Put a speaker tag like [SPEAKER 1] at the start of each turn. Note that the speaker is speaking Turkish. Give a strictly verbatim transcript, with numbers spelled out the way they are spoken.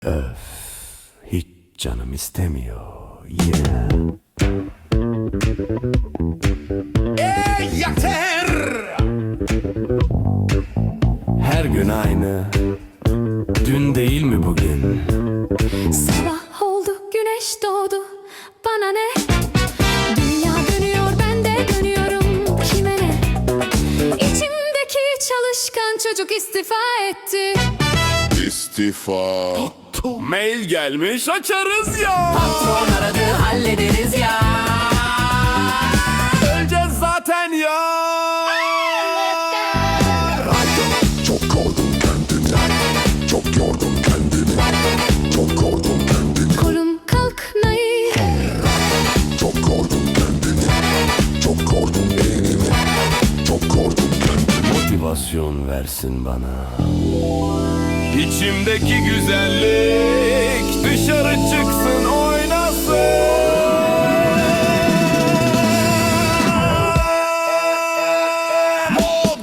[SPEAKER 1] Öf, hiç canım istemiyor. Yeah. Ey yeter! Her gün aynı. Dün değil mi bugün?
[SPEAKER 2] Sabah oldu, güneş doğdu. Bana ne? Dünya dönüyor, ben de dönüyorum. Kime ne? İçimdeki çalışkan çocuk istifa etti.
[SPEAKER 3] İstifa.
[SPEAKER 1] Mail gelmiş, açarız ya.
[SPEAKER 4] Patron aradı, hallederiz ya.
[SPEAKER 1] Öleceğiz zaten ya.
[SPEAKER 3] Çok kordun kendini. Çok yordun kendini. Çok kordun kendini.
[SPEAKER 2] Korun kalkmayı.
[SPEAKER 3] Çok kordun kendini. Çok kordun beynini. Çok kordun kendini.
[SPEAKER 1] Motivasyon versin bana. İçimdeki güzellik dışarı çıksın, oynasın.
[SPEAKER 3] Moda